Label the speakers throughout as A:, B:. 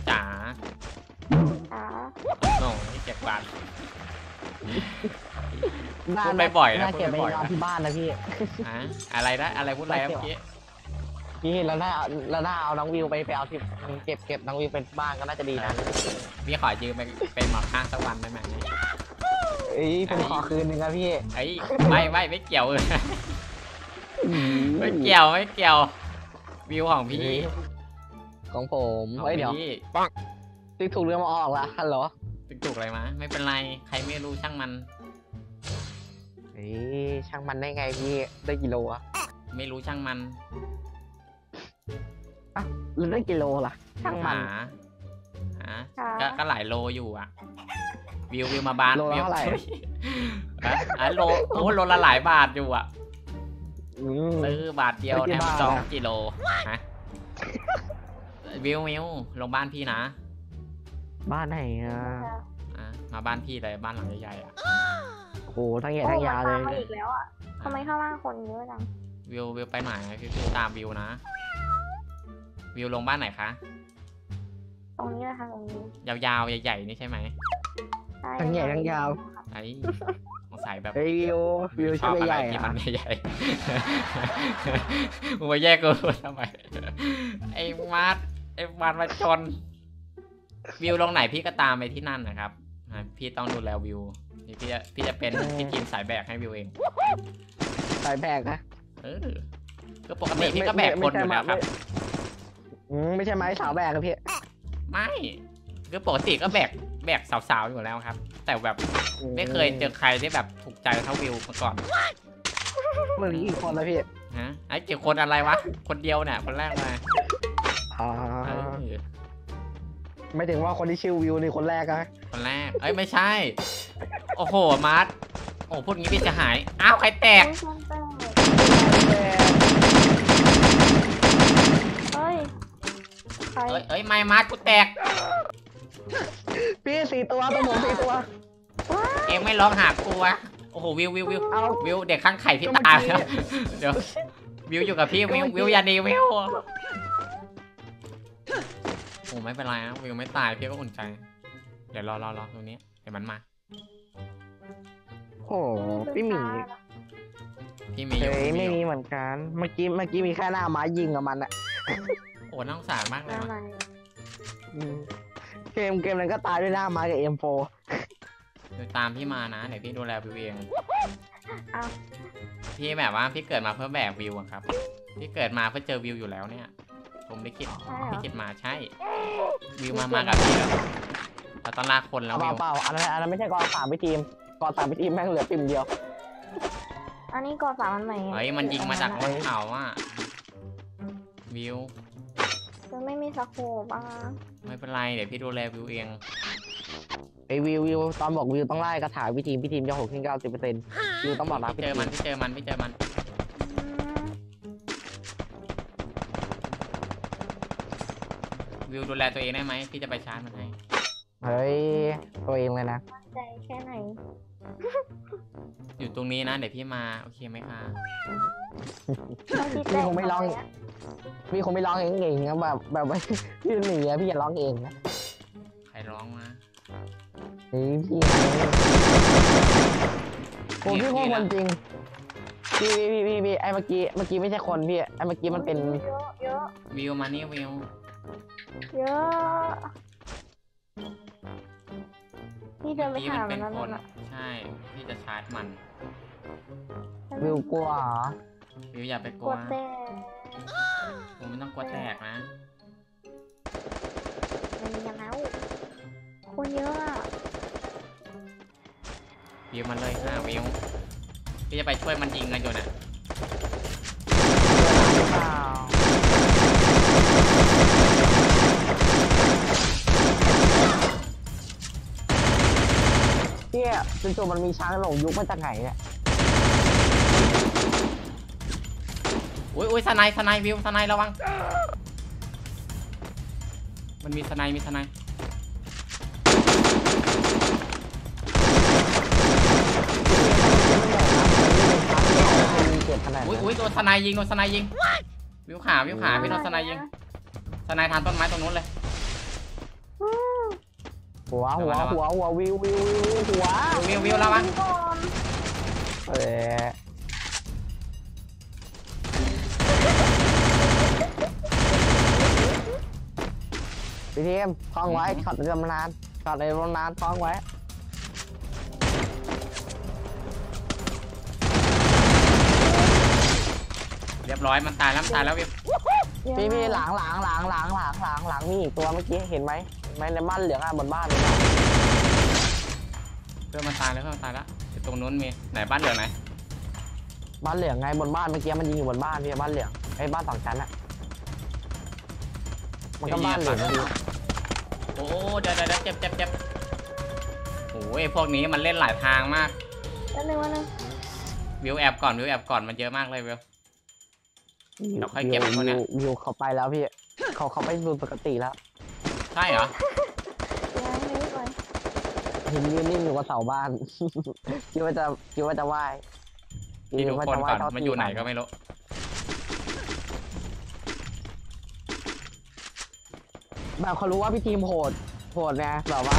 A: จ๋า
B: จ๋า
A: โอ้ยเจ็บบาด
C: บ้า
A: พู
C: น
A: ดไปบ่อยนะ
C: น่า
A: พูด
C: เก็บ
A: ไป
C: ไป
A: บ่อย
C: นอน
A: นะ
C: ที่บ้านนะพี่
A: ฮะอะไรนะอะไรพูดอะไรเมื่อกี้
C: พี่แล้วถ้าเอาน้องวิวไปเอาที่เก็บน้องวิวเป็นบ้านก็น่าจะดีนะ
A: พี่ขอยืมไปเป็นหมอข้างสักวันได้ไหม
C: เอ้ยผมขอคืนหนึ่งนะพี่
A: ไอ้ไม่เกี่ยวเลยไม่เกี่ยววิวของพี่
C: ของผม
A: ของ
C: เฮ้ยเดี๋ยว
A: พี่
C: ติ๊กถูกเรื่องมาออกละฮัลโหล
A: ถูกอะไรมาไม่เป็นไรใครไม่รู้ช่างมัน
C: เฮ้ยช่างมันได้ไงพี่ได้กิโลอะ
A: ไม่รู้ช่างมัน
C: อ่ะแล้วได้กิโลล่ะช่างมัน
A: หาก็หลายโลอยู่อ่ะวิวมาบ้าน
C: โลละ
A: วิว
C: เท่าไหร่
A: โลโลละหลายบาทอยู่อ่ะ
C: อืม
A: ซื้อบาทเดียว
C: ซื้อ
A: แถ
C: กี่
A: ม
C: บาท
A: 2
C: อะ
A: กิโลฮะวิวลงบ้านพี่นะ
C: บ้านไหนอะ
A: มาบ้านพี่เลยบ้านหลังใหญ่ๆอ่ะ
C: โอ้โหทั้งใหญ่ทั้งยาวเลย
B: โอ้มันตมมาอีกแล้วอ่ะทำไมข้างล่างคนเยอะจัง
A: วิวไปไหนพี่ตามวิวนะวิวลงบ้านไหนคะ
B: ตรงนี้เลยค่ะตรงนี้
A: ยาวๆใหญ่ๆนี่ใช่ไหม
B: ใช่
C: ทั้งใหญ่ทั้งยาว
A: ไอ้สงสัยแบบ
C: เฮ้ยวิว
A: ช
C: ชื่
A: อ
C: อบ
A: อะไร
C: ใหญ่
A: ที่
C: อะ
A: มันใหญ่มึงมาแยกกูทำไมไอ้มาร์ทมาชนวิวลงไหนพี่ก็ตามไปที่นั่นนะครับพี่ต้องดูแลวิวพี่จะเป็นพี่ทีมสายแบกให้วิวเอง
C: สายแบกนะ
A: ก็ปกติพี่ก็แบกคนอยู่แล้วครับ
C: ไม่ใช่ไม้สาวแบกครับพี่
A: ไม่คือปกติก็แบกสาวๆอยู่แล้วครับ แต่แบบไม่เคยเจอใครที่แบบถูกใจเท่าวิวมาก่อน
C: เมื่อกี้อีกคนแล้วพี่
A: ฮะไอ้เกี่ยวคนอะไรวะคนเดียวเนี่ยคนแรกเลย
C: อ๋อ
A: เออ
C: ไม่ถึงว่าคนที่ชื่อวิวนี่คนแรกนะ
A: คนแรกไม่ใช่โอ้โหมาร์ทโอ้พูดงี้พี่จะหายอ้าวใครแตก
B: เฮ้ยใคร
A: ไม่มาร์ทกูแตก
C: พี่4 ตัวตัวผม4 ตัว
A: เอ็งไม่ร้องหากูวะโอ้โหวิว
C: เอา
A: เด็กข้างไข่พี่
C: ก็เมื่อ
A: ตาย
C: กี้
A: แล้วเดี๋ยววิวอยู่กับพี่วิวอย่าดีวิวโอ้ไม่เป็นไรนะวิวไม่ตายพี่ก็อุ่นใจเดี๋ยวรอตรงนี้เดี๋ยวมันมา
C: โอ้พี่หมี
A: พี่มีอยู่
C: เฮ้ย
A: พี่
C: ไม่
A: อยู่
C: มีเหมือนกัน เมื่อกี้มีแค่หน้าไม้ยิงกับมันอะ
A: โอ้น่าสงสารมากเลย
B: อะไร
A: ว่ะ
C: อืมเกมนั้นก็ตายด้วยหน้าไม้กับ M4
A: เดี๋ยวตามพี่มานะเดี๋ยวพี่ดูแลวิวเอง
B: อ้าว
A: พี่แบบว่าพี่เกิดมาเพื่อแบกวิวอะครับพี่เกิดมาเพื่อเจอวิวอยู่แล้วเนี่ยผมไม่คิด
B: ใช่เหร
A: พี่
B: อ
A: คิดมาใช่ วิวมากับพี่แล้วเราต้องลากคนแล้ววิว
C: เปล่าอันนั้นไม่ใช่กอ3ไปทีมกอ3ไปทีมแม่งเหลือปิ่มเดียว
B: อันนี้กอสามอันใหม่
A: เฮ้ยมันยิงมาจากบนเขาอ่ะวิว
B: มันไม่มีสโคปอ่ะ
A: ไม่เป็นไรเดี๋ยวพี่ดูแลวิวเอง
C: ไอวิวตอนบอกวิวต้องไล่กระถางพี่ทีมจะ60-90%วิวต้องบอกรัก
A: พี่เจอมันพี่เจอมันวิวดูแลตัวเองได้ไหมพี่จะไปชาร์จมันให้
C: เฮ้ยตัวเองเลยนะ
B: ใจแค่ไหน
A: อยู่ตรงนี้นะเดี๋ยวพี่มาโอเคไหมคะ
C: พี่คงไม่ร้องเองนะแบบว่าพี่หนีอะพี่อย่าร้องเองนะ
A: ใครร้องมา
C: เฮ้ยพี่โอ้พี่โคตรคนจริงพี่ไอ้เมื่อกี้ไม่ใช่คนพี่ไอ้เมื่อกี้มันเป็น
B: เยอะ
A: วิวมานี่วิว
B: เยอะพี่เดินไป
A: พี่
B: หา
A: มัน
B: มั
A: เป็น น
B: แล้ว
A: คน
B: น่ะ
A: ใช่พี่จะชาร์จมัน
C: วิวกลัวเหรอ
A: วิวอย่าไปก
B: ก
A: ลั
B: ลั
A: ว
B: วแต่
A: ผมไม่ต้องกลัวแตกนะ
B: มันมีกันแล้วคนเยอะอะ
A: วิวมันเลยค่ะวิวพี่จะไปช่วยมันยิงกันอยู่น่ะ
C: หรือเปล่าพี่จู่ๆมันมีช้างหลงยุคมาจากไหนเนี่ย
A: อุ้ยสไนวิวสไนระวังมันมีสไนอุ้ยโดนสไนยิงวิวขาพี่โดนสไนยิงสไนทานต้นไม้ตรงนู้นเลย
C: หัววิวหัว
A: วิวระวัง
B: ก่อน
C: เออพี่ทีมคล้องไว้ช็อตในตำนานช็อตในตำนานคล้องไว้
A: เรียบร้อยมันตายแล้ววิว
C: พี่หลังมีอีกตัวเมื่อกี้เห็นไหมในบ้านเหลืองอ่ะบนบ้านเลย
A: เพื่อนมันตายแล้วตรงนู้นมีไหนบ้านเหลืองไหน
C: บ้านเหลืองไงบนบ้านเมื่อกี้มันยิงอยู่บนบ้านพี่บ้านเหลืองไอ้บ้านสองชั้นอ่ะมันก็บ้านเหลืองพี่
A: โอ้เดี๋ยวเจ็บโอ้ยพวกนี้มันเล่นหลายทางมาก
B: วันนึง
A: วิวแอบก่อนมันเยอะมากเลยวิว เราค่อยเก็บคนเนี้ย
C: วิวเขาไปแล้วพี่เขาไปดูปกติแล้ว
A: ใช่เหรอ
B: ยังไม่ไป
C: เห็นยืนนิ่งอยู่กับเสาบ้าน คิดว่าจะไหว้
A: พี่ดูคนก่อนมันอยู่ไหนก็ไม่รู้
C: แบบเขารู้ว่าพี่ทีมโหดไงแบบว่า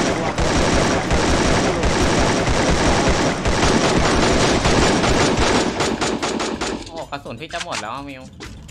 A: โอ้กระสุนพี่จะหมดแล้วมิว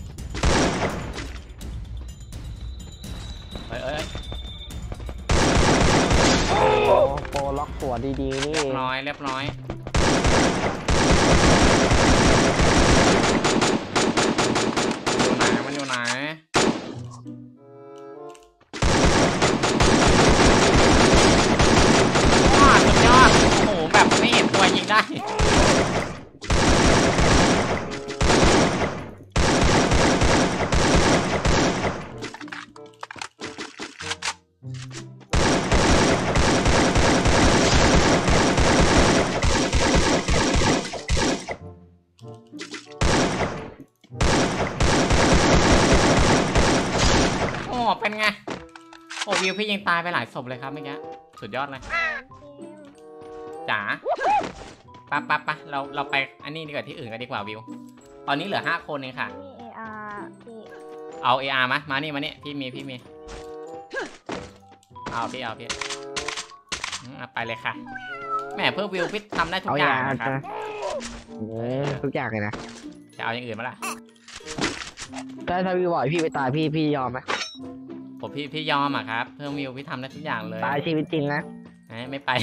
A: เอ้ย
C: โปรล็อกตัวดีๆนี่
A: เรียบร้อยมันอยู่ไหนว้าสุดยอดโอ้โหแบบไม่เห็นตัวยิงได้เป็นไงโอ้วิวพี่ยิงตายไปหลายศพเลยครับเมื่อกี้สุดยอดเลยจ๋าปะเราไปอันนี้ดีกว่าที่อื่นกันดีกว่าวิวตอนนี้เหลือ5 คนเองค่ะ
B: มี AR พี่
A: เอา AR มานี่พี่มีเอาพี่ไปเลยค่ะแหมเพื่อวิวพี่ทำได้ทุกอย่างนะครับ
C: ทุกอย่างเลยนะ
A: จะเอาอย่างอื่นมาล่ะ
C: ถ้าวิวบอกพี่ไปตายพี่ยอมไหม
A: ผมพี่ยอมอ่ะครับเพื่อวิวพี่ทำได้ทุกอย่างเลย
C: ตายชีวิตจริงนะ
A: ไม่ไป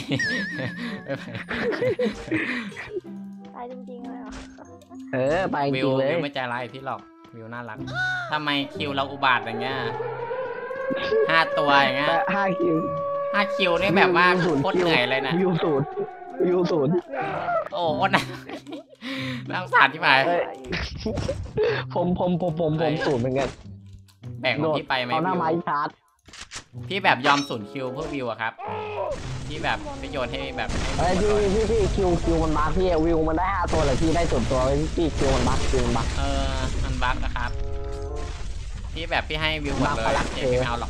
B: ตายจริงๆเลยเหรอ
C: ไปจริงเลย
A: วิวไม่ใจร้ายพี่หรอกวิวน่ารักทำไมคิวเราอุบาทอย่างเงี้ย5 ตัวอย่างเงี้ย
C: 5 คิว
A: 5 คิวนี่แบบว่าโคตรเหนื่อยเลยนะ
C: วิวศูนย์
A: โอ้โหน่าสงสารที่ไหน
C: ผมศูนย์เหมือนกัน
A: แบ่งของพี่ไปไหม
C: เอาหน้า
A: วิว
C: ไม้ชาร์จ
A: พี่แบบยอม0 คิวเพื่อวิวอะครับพี่แบบไปโยนให้แบบ
C: พี่คิวมันบั๊กพี่วิวมันได้5 ตัวแต่พี่ได้0 ตัวพี่คิวมันบั๊ก
A: มันบั๊กนะครับพี่แบบพี่ให้วิวหมดเลยพี่ไม่เอาหรอก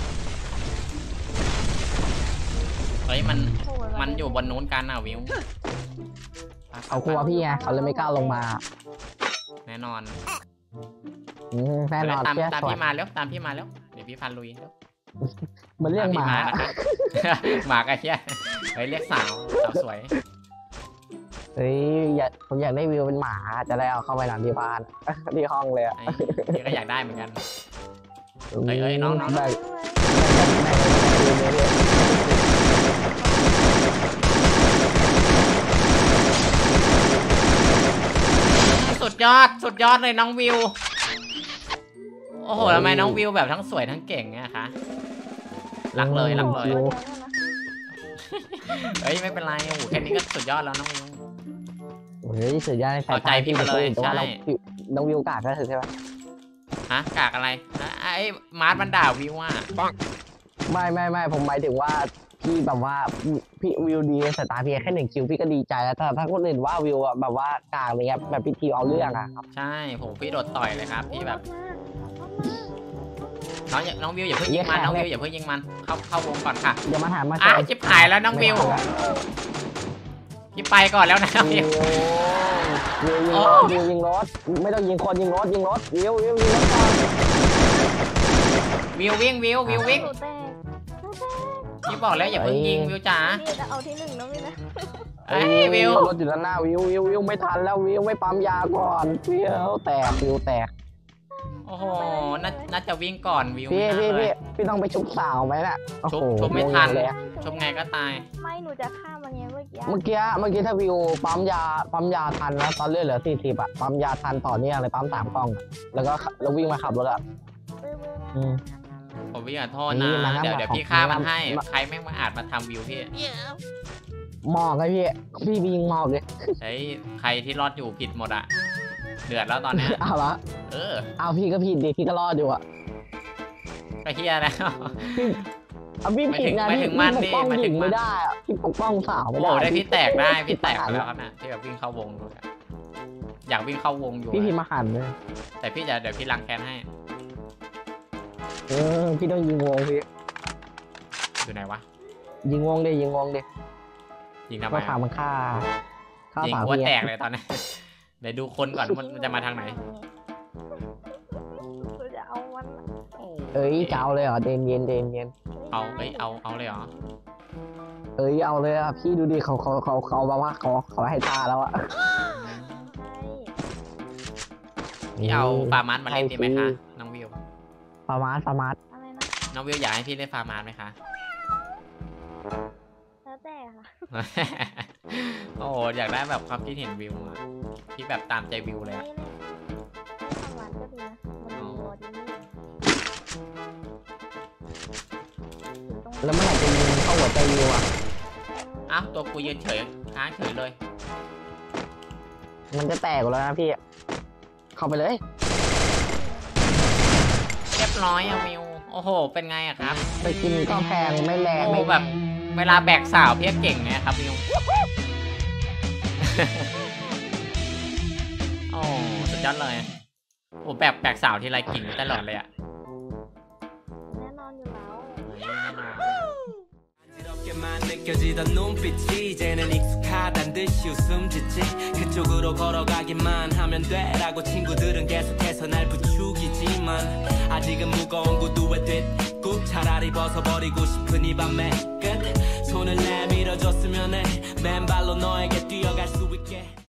A: เฮ้ยมันอยู่บนนู้นกันอ่ะวิว
C: เขากลัวพี่ไงเขาเลยไม่กล้าลงมา
A: แน่นอน
C: แน่นอน
A: ตามพี่มาแล้วเดี๋ยวพี่พันลุยแล้ว
C: มันเรียกหมา
A: นะครับ หมากันเชียเฮ้ยเรียกสาวสวย
C: เฮ้ยผมอยากได้วิวเป็นหมาจะได้เอาเข้าไปหลังที่บ้านที่ห้องเลยอ่ะ
A: พี่ก็อยากได้เหมือนกันเฮ้ยน้องสุดยอดเลยน้องวิวโอ้โหทำไมน้องวิวแบบทั้งสวยทั้งเก่งเนี่ยคะรักเลยเฮ้ยไม่เป็นไรโอ้โหแค่นี้ก็สุดยอดแล้วน้องวิว
C: เฮ้ยสุดยอด
A: เอาใจพี่มาเลยใช่
C: น้องวิวกากก็คือใช่ไหม
A: ฮะกากอะไรไอ้มาร์ทมันด่าวิวอ่ะ
C: ไม่ผมหมายถึงว่าพี่แบบว่าพี่วิวดีในสายตาพี่แค่1 คิวพี่ก็ดีใจแล้วแต่ถ้าคนอื่นว่าวิวแบบว่ากากอะไรเงี้ยแบบพี่ทีเอาเรื่องอะครับ
A: ใช่ผมพี่โดดต่อยเลยครับพี่แบบน้องวิวอย่าเพิ่งยิงมันเข้าวงก่อนค่ะ
C: อย่ามาถามมา
A: ชิบหายแล้วน้องวิวพี่ไปก่อนแล้วนะวิว
C: วิวยิงรถไม่ต้องยิงคนยิงรถวิวยิงรถก่อน
A: วิววิ่งพี่บอกแล้วอย่าเพิ่งยิงวิวจ๋า
B: พี่จะเอาที่หนึ่งนะพี่นะ
A: เอ้ยวิว
C: รถอยู่ด้านหน้าวิวไม่ทันแล้ววิวไม่ปั๊มยาก่อนวิวแตกวิวแตก
A: โอ้โหน่าจะวิ่งก่อนวิว
C: พี่
A: ไม่น่าเลย
C: พี่ต้องไปชุบสาวไหมน่ะโอ้โห
A: ชุบไม่ทัน
C: เลย
A: ชมไงก็ตาย
B: ไม่หนูจะฆ่ามันไงเมื่อกี้
C: เมื่อกี้ถ้าวิวปั๊มยาทันนะตอนเลือดเหลือ40อ่ะปั๊มยาทันต่อเนื่องเลยปั๊ม3กล่องอะแล้ววิ่งมาขับรถอ่ะ อืม
A: ผมวิ่งขอโทษ
C: นี่
A: นะ
C: มาครับ
A: เดี๋ยวพี่ฆ่ามันให้
C: มา
A: ใครแม่งมาอาจมาทำวิวพี่
C: หมอกไงพี่ยิงหมอกเลย
A: เฮ้ยใครที่รอดอยู่ผิดหมดอะเดือดแล้วตอนเนี้ย
C: เอาละ เอาพี่ก็ผิดดิพี่ก็รอดอยู่อ่ะ
A: ก็เฮียแล้ว
C: เอาพี่ผิดนะ
A: หมาย
C: พี่
A: ถึงมัน
C: ปกป้อง
A: ดิหมาย
C: ห
A: ถึ
C: ญิ
A: ง
C: ง
A: มัน
C: ไม่ได้อ่ะพี่ปกป้องสาว
A: โอ้
C: ไม่
A: โห
C: ได้
A: ได้พี่แตกได้พี่แตกไปแล้วครับนะที่แบบวิ่งเข้าวงอยู่อะอยากวิ่งเข้าวงอยู่
C: พี่
A: อะ
C: มาหันเลย
A: แต่พี่เดี๋ยวพี่ล้างแค้นให้
C: พี่ต้องยิงวงพี่
A: อยู่ไหนวะ
C: ยิงวงดิ
A: ยิงทำไม
C: ก็ถามมันฆ่า
A: ยิง
C: สาว
A: หัว
C: พี่
A: แตกเลยตอนนี้ เดี๋ยวดูคนก่อนมันจะมาทางไหน
B: หนูจะเอามัน
C: เอ้ยจะเอาเลยเหรอเย็น
A: เอาเลยเหรอ
C: เอ้ยเอาเลยอ่ะพี่ดูดิเขาแบบว่าเขาให้ท่าแล้วอ่ะ
A: พี่เอาฟาร์มาร์มาเล่นดีไหมคะน้องวิว
C: ฟาร์มาส
B: อะไรนะ
A: น้องวิวอยากให้พี่เล่นฟาร์มาร์ไหมคะ
B: แล้วแต่ค่ะ
A: โอ้โหอยากได้แบบความคิดเห็นวิวอะพี่แบบตามใจวิวเลย
B: ไม่
A: อะ
B: เล่นทำหวานก็ดีนะมันดีวอดีนี่อยู่ตรง
C: แล้วเมื่อไหร่จะยิงเข้าหัวใจวิวอ่ะ
A: อ้าวตัวกูยืนเฉยค้างเฉยเลย
C: มันจะแตกแล้วนะพี่ เข้าไปเลย
A: เรียบร้อยอะวิวโอ้โหเป็นไงอะครับ
C: ไปกินก็แพงไม่แรง
A: โอ้
C: ไม่
A: แบบเวลาแบกสาวพี่เก่งเนี่ยครับวิว โอ้สุดยอดเลยโอ้แบกสาวที่ไรกิ่งตลอดเลยอะ
B: แน่นอนอยู่แล้ว
D: 만 느껴지던 눈빛이 이제는 익숙하단 듯이 웃음 짓지 그쪽으로 걸어가기만 하면 돼라고 친구들은 계속해서 날 부추기지만 아직은 무거운 구두에 뒷굽 차라리 벗어버리고 싶은 이 밤의 끝 손을 내밀어줬으면 해 맨발로 너에게 뛰어갈 수 있게